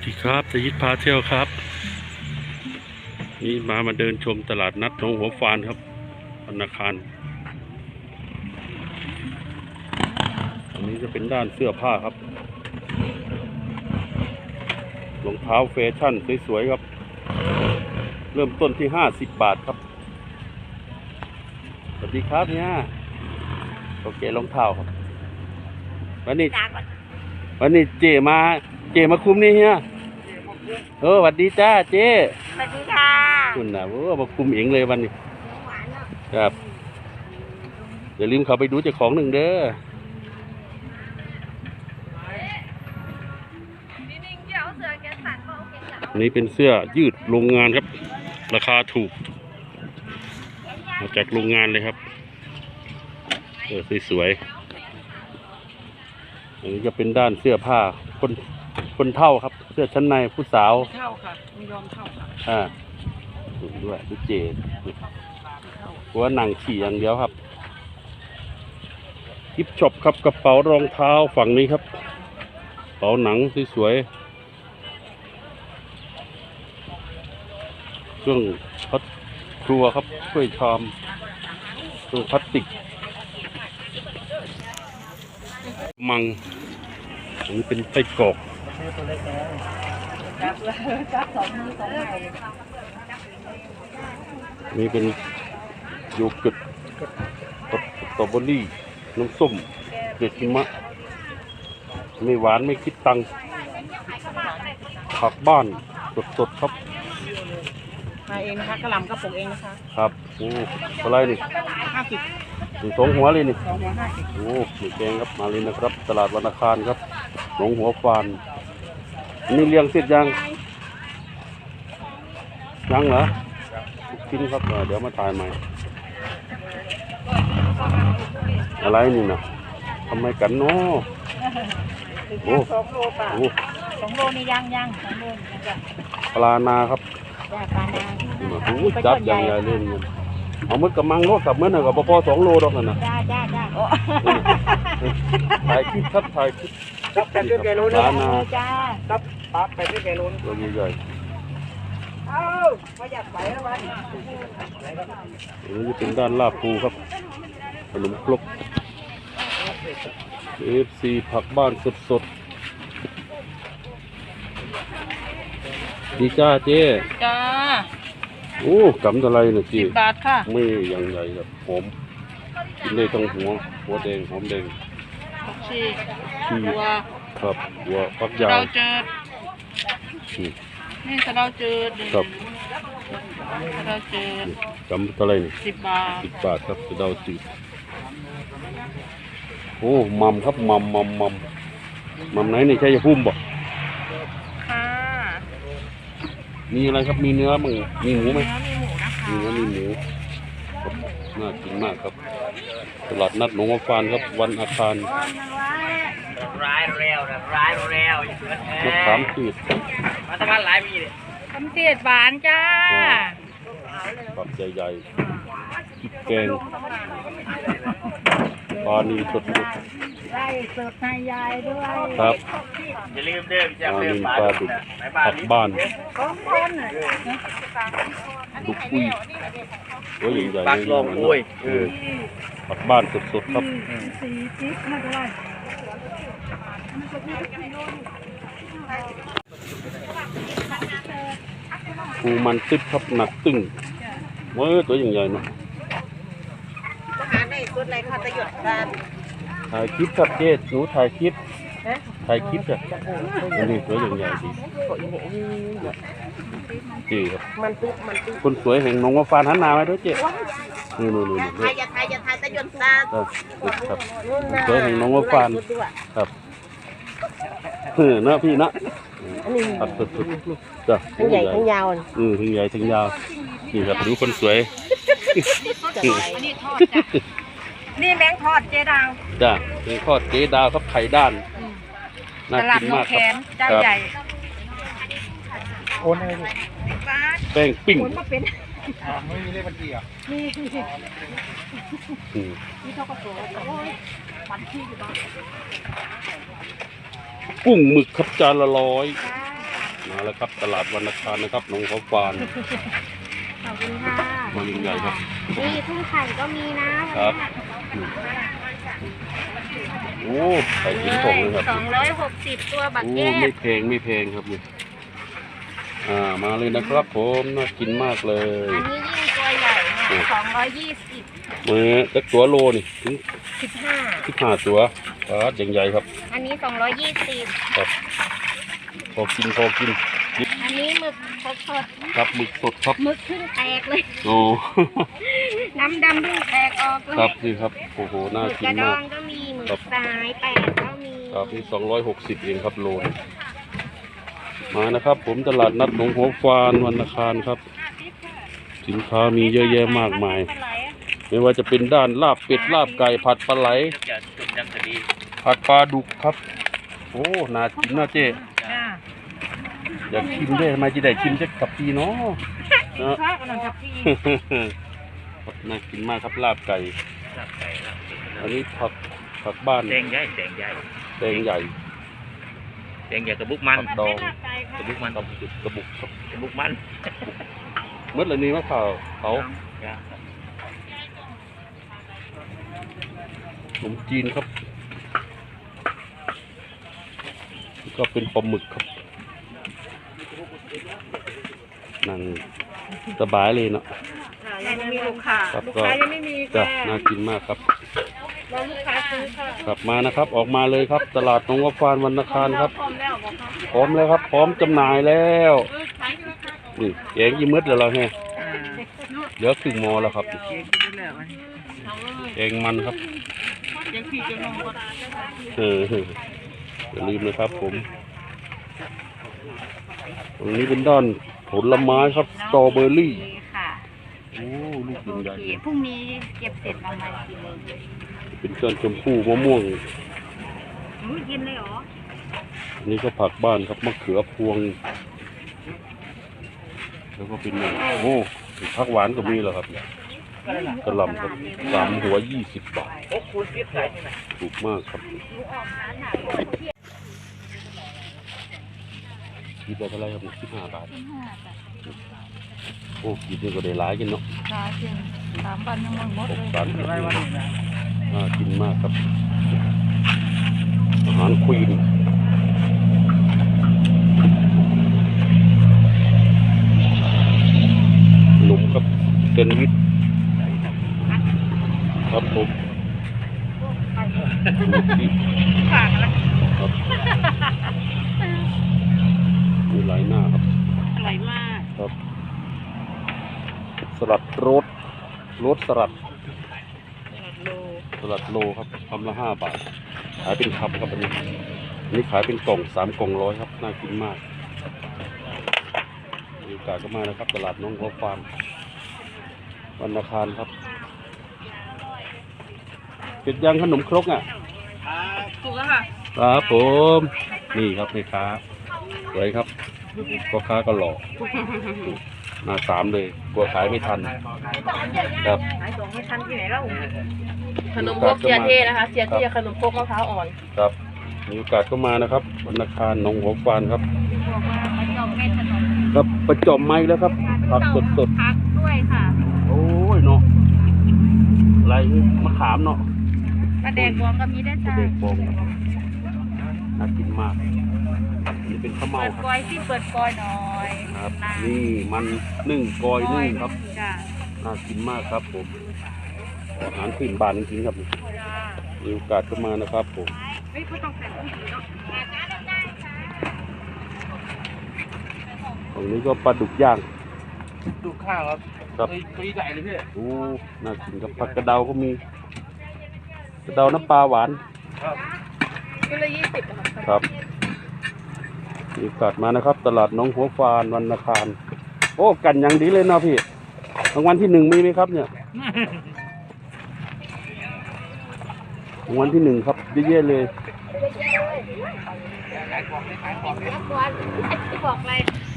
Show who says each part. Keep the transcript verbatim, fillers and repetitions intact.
Speaker 1: ดีครับสยิดพาเที่ยวครับนี่มามาเดินชมตลาดนัดหนองหัวฟานครับธนาคารอันนี้จะเป็นด้านเสื้อผ้าครับรองเท้าแฟชั่นสวยๆครับเริ่มต้นที่ห้าสิบบาทครับสวัสดีครับเนี่ยโอเครองเท้าครับวันนี้วันนี้เจมาเจมาคุมนี่เฮียเออสวัสดีจ้าเจ๊
Speaker 2: สวัสดีค่ะ
Speaker 1: คุณน่ะโอ้มาคุมเองเลยวันนี้ครับอย่าลืมเข้าไปดูเจ้าของหนึ่งเด้อนี่เป็นเสื้อยืดโรงงานครับราคาถูกมาจากโรงงานเลยครับเออสวยๆอันนี้จะเป็นด้านเสื้อผ้าคนคนเท่าครับเสื้อชั้นในผู้สาว
Speaker 2: เท่าค่ะไม่ยอมเท่าค่ะ
Speaker 1: อ่าด้วยดูเจหัวหนังขี่อย่างเดียวครับกิฟช็อปครับกระเป๋ารองเท้าฝั่งนี้ครับกระเป๋าหนังสวยๆเครื่องพัดครัวครับถ้วยชามเครื่องพลาสติกมังอันนี้เป็นไส้กรอกนี่เป็นโยเกิร์ตสตรอเบอรี่น้ำส้มเกล็ดหิมะไม่หวานไม่คิดตังค์ผักบ้านสดๆครับ
Speaker 2: มาเองนะคะกระหล่ำกระปุกเองนะคะ
Speaker 1: ครับโอ้อะไรนี่
Speaker 2: ห้าสิบ
Speaker 1: สองหัวเลยนี่
Speaker 2: สองหัวห้าสิบ
Speaker 1: โอ้หมูแกงครับมาเลยนะครับตลาดวันอังคารครับหนองหัวฟานนี่เลี้ยงเสร็จยังยังเหรอกินครับเดี๋ยวมาถ่ายใหม่อะไรนี่นะทำไมกันเนาะโอ้
Speaker 2: สองโลป่ะโอ้สองโลนี่ยังยังสองโลนี่
Speaker 1: ปลานาครับ
Speaker 2: ปลานา
Speaker 1: โอ้จับอย่างใหญ่เลยเงินเอามือกระมังโลกับเมื่อน่ะกับพอสองโลดอกนั่นนะ
Speaker 2: จ้าจ้าจ้า
Speaker 1: ถ่ายคลิปครับถ่ายคลิป
Speaker 2: จับแต่ด้วยแกโลนะจ้าจับปั๊บไปด้วยแกโล
Speaker 1: ตัวใหญ่
Speaker 2: เอ้าไม่อยากไปแล้ววัน
Speaker 1: นี้จะเป็นด้านลาบปูครับขนมครก เอฟ ซี ผักบ้านสดๆดีจ้าเจ๊
Speaker 2: จ้า
Speaker 1: โอ้กำอะไรเนี่ยจี
Speaker 2: สิบบาทค่ะ
Speaker 1: ไม่อย่างใหญ่แบบหอมกินได้ทั้งหัวหัวแดงหอมแดง
Speaker 2: ชี
Speaker 1: ชีครับหัวฟักยาว
Speaker 2: เราเจอนี่เราเจอ
Speaker 1: ครับ
Speaker 2: เราเจ
Speaker 1: อกำอะไรนี่
Speaker 2: สิบบาท
Speaker 1: สิบบาทครับเราจืดโอ้มัมครับมัมมัมมัมมัมไหนนี่ใช่ยาพุ่มบ่
Speaker 2: ค่ะ
Speaker 1: มีอะไรครับมีเนื้อมั้งมีหมูไหม
Speaker 2: มีหมูนะคะ
Speaker 1: มีเนื้อมีหมูน่ากินมากครับตลาดนัดหนองหัวฟานครับวันอาคาร
Speaker 2: ร้ายเร็วนะร้ายเร็ว
Speaker 1: มะขามจืด
Speaker 2: มาตะวันหลายมีเลยคำเสียดหวานจ้า
Speaker 1: ปักใหญ่ๆพริกแกงปลานีสด
Speaker 2: ๆไล่สดให้ยายด้วย
Speaker 1: ครับ
Speaker 2: อย่าลืมเด้อจะ
Speaker 1: ปลานีปลาดุกผักบ้านดุกปุ้ยโอ้ยใหญ่ๆ
Speaker 2: ปักลองปุ้ย
Speaker 1: ผักบ้านสดๆครับ
Speaker 2: สี่จิ๊บไม่เป็นไร
Speaker 1: ปูมันตึ๊บครับหนักตึ้งเมื่อตัวใหญ่ๆเนาะ
Speaker 2: หาในสุดในข้าตะหยดกัน
Speaker 1: ถ่ายคลิปครับเจ๊หนูถ่ายคลิปถ่ายคลิปจ้ะนี่ตัวใหญ่ๆดีจีครับ
Speaker 2: มันตึ๊บมันตึ๊บ
Speaker 1: คนสวยแห่งหนองหัวฟานหันหน้ามาด้วยเจ๊นี่นี่นี่
Speaker 2: ถ่ายอย่าถ่ายอย่าถ่ายตะหยดตา
Speaker 1: ครับสวยแห่งหนองหัวฟานครับเออเนาะพี่เนาะครับสุดๆจ้ะ
Speaker 2: ทั้งใหญ่ทั้งยาว
Speaker 1: อือทั้งใหญ่ทั้งยาวนี่ครับดูคนสวย
Speaker 2: นี่แมงทอดเจดาว
Speaker 1: จ้ะแมงทอดเจดาวครับไข่ด้านน่ากินมากครับ
Speaker 2: เจ้าใหญ่
Speaker 1: โอนอะไรดิแป้งปิ้ง
Speaker 2: ไม่มีเลขบัญชีอ่ะมีนี่เขาก็ตัวบัญชีอยู่บ้าง
Speaker 1: กุ้งหมึกครับจานละร้อยมาแล้วครับตลาดวันอังคารนะครับหนองหัวฟาน
Speaker 3: ขอบคุณค่ะ
Speaker 1: มาลิงใหญ่ครับ
Speaker 3: นี่ทุ่งไข่ก็มีนะครับ
Speaker 1: โอ้ไข่หินผงเลยครับ
Speaker 3: สองร้อยหกสิบตัวบัก
Speaker 1: โอ้
Speaker 3: แก้
Speaker 1: ไม่แพงไม่แพงครับนี่อ่ามาเลยนะครับผมน่ากินมากเลย
Speaker 3: อันนี้ยิ่งตัวใหญ่เนี่ยสองร้อยยี่สิบ
Speaker 1: มือจักตัวโลนี่ถึง
Speaker 3: สิบห้า
Speaker 1: สิบห้าตัวปลาใหญ่ๆครับ
Speaker 3: อันนี้สองร้อยยี่สิบ
Speaker 1: ครับพอกินพอกิน
Speaker 3: อันนี้หมึกสดสด
Speaker 1: ครับหมึกสดครับ
Speaker 3: ๆหมึกขึ้นแตกเลย
Speaker 1: โอ้
Speaker 3: น้ำดำเพิ่งแตกออกเลย
Speaker 1: ครับนี่ครับโอ้โห
Speaker 3: ห
Speaker 1: น่า
Speaker 3: มึก
Speaker 1: กิ
Speaker 3: ก
Speaker 1: น
Speaker 3: ระด
Speaker 1: มา
Speaker 3: อก งก็มีหมึกสายแปดก็มี
Speaker 1: ครับนี่สองร้อยหกสิบเองครับโลนมานะครับ ผมตลาดนัดหนองหัวฟานวันอังคารครับ สินค้ามีเยอะแยะมากมาย ไม่ว่าจะเป็นด้านลาบเป็ดลาบไก่ผัดปลาไหล
Speaker 2: จะจุ่มยำคดี
Speaker 1: ผัดปลาดุกครับ โอ้น่ากินน่าเจ๊
Speaker 3: จ้า
Speaker 1: อยากชิมด้วยทำไมจะได้ชิมจะกับพี่เนาะเนาะ
Speaker 3: ข้าวกำลังกับพี่
Speaker 1: ครับน่ากินมากครับลาบไก่
Speaker 2: ลาบไก่ลาบ
Speaker 1: อันนี้ผักผักบ้าน
Speaker 2: แดงใหญ่แดงใหญ่
Speaker 1: แดงใหญ่
Speaker 2: แดงใหญ่กระบุกมัน
Speaker 1: ผักดอง
Speaker 2: กระบุกมัน
Speaker 1: กระบุกกระบุกครับ
Speaker 2: กระบุกมัน
Speaker 1: เมื่อไรนี้มะพร้าวเขาขนมจีนครับแล้วก็เป็นปลาหมึกครับนั่งสบายเลยเนาะ
Speaker 3: ยังไม่มีลูกค้า
Speaker 1: ครับ
Speaker 3: ลูก
Speaker 1: ก็
Speaker 3: ค้ายังไม่มี
Speaker 1: จ้ะ
Speaker 3: ค่ะ
Speaker 1: น่ากินมากครับ
Speaker 3: รอลูกค้าซื้อค่ะ
Speaker 1: กลับมานะครับ ออกมาเลยครับ ตลาดหนองวัวฟานวันอังคารครับ
Speaker 3: พร้อมแล้วบอกเขา
Speaker 1: พร้อมแล้วครับ พร้อมจำหน่ายแล้วนี่แกงยี่มืดแล้วเราแฮะเหลือครึ่งหมอแล้วครับแกงมันครับเอออย่าลืมนะครับผมตรงนี้เป็นด้านผลไม้ครับสตรอเบอร์รี่
Speaker 3: ค่ะ
Speaker 1: โอ้ลูกใหญ่
Speaker 3: พรุ่งนี้เก็บเสร็จประมาณกี่โมง
Speaker 1: ๆเป็นต้นชมพู่มะม่วง
Speaker 3: อุ้ยกินเลยเหรอ
Speaker 1: อันนี้ก็ผักบ้านครับมะเขือพวง แล้วก็เป็นโอ้ผักหวานก็มีแล้วครับกระหล่ำครับสามหัวยี่สิบบาท
Speaker 2: โอ้คูณสิบใส่ที่ไหน
Speaker 1: ถูกมากครับคิดได้เท่าไหรครับสิบห้าบาทโอ้คิดนี่ก็ได้หลายกินเนาะ
Speaker 3: สามสิบสามพันยังหมด
Speaker 1: หก
Speaker 3: เลย
Speaker 1: สามสิบน่ากินมากครับ อาหารควีนขนมครับเซนด์วิชครับผมนี่
Speaker 3: ฝากอะไร
Speaker 1: ครับมีหลายหน้าครับ
Speaker 3: อร่อยมาก
Speaker 1: ครับ สลัดโรสโรสสลัด
Speaker 3: โล
Speaker 1: สลัดโลครับคำละห้าบาท ขายเป็นคำครับอันนี้อันนี้ขายเป็นกล่องสามกล่องร้อยครับ น่ากินมากมีโอกาสก็มานะครับ ตลาดน้องหัวฟาร์มวันอังคารครับเก็บยังขนมครกอ่ะ
Speaker 3: ถูกแล้วค่ะ
Speaker 1: ครับผมนี่ครับแม่ค้าสวยครับพ่อค้าก็หล่อมาสามเลยกลัวขายไม่ทันครับ
Speaker 3: ขายส่งไม่ทันที่ไหนแล้ว
Speaker 4: ขนมพกเสียเทนะคะเสียเทขนมพกมะพร้าวอ่อน
Speaker 1: ครับมีโอกาสก็มานะครับวันอังคารหนองหัวฟานครับ
Speaker 3: บอกว่าประจอมเม็ดถนน
Speaker 1: ครับประจอมไม้แล้วครับผักสดสด
Speaker 3: พักด้วยค่ะ
Speaker 1: ๆโอ้ยเนาะอะไรมะขามเนาะ
Speaker 3: ปลาแดกบวงก็มีได้จ้า
Speaker 1: เด็กบงน่ากินมากนี่เป็นข้าวเมา
Speaker 3: เปิด
Speaker 1: ค
Speaker 3: ก
Speaker 1: รับ
Speaker 3: อยที่เปิดกอยหน่อย
Speaker 1: ครับ นี่มันนึ่งกอยนึ่งครับ
Speaker 3: จ้า
Speaker 1: น่ากินมากครับผมอาหารขึ้นบ้านจริงๆครับ
Speaker 3: จ้า
Speaker 1: มีโอกาสก็มานะครับผม
Speaker 3: เฮ้ยเขาต้องใส่ผู้หญิงเนาะ
Speaker 1: ตรงนี้ก็ปลาดุกย่าง
Speaker 2: ดูข้าวครับ
Speaker 1: ครับ
Speaker 2: ตัวใหญ่เลยพี่
Speaker 1: โอ้น่ากินครับผักกระเดาก็มีกระเดาน้ำปลาหวาน
Speaker 4: กิโลยี่สิบค่ะ
Speaker 1: ครับมีโอกาสมานะครับ ตลาดหน้องหัวฟานวันอังคารโอ้กันอย่างดีเลยเนาะพี่รางวัลที่หนึ่งมีไหมครับเนี่ยรางวัลที่หนึ่งครับเยอะๆเลย
Speaker 3: บอกเลย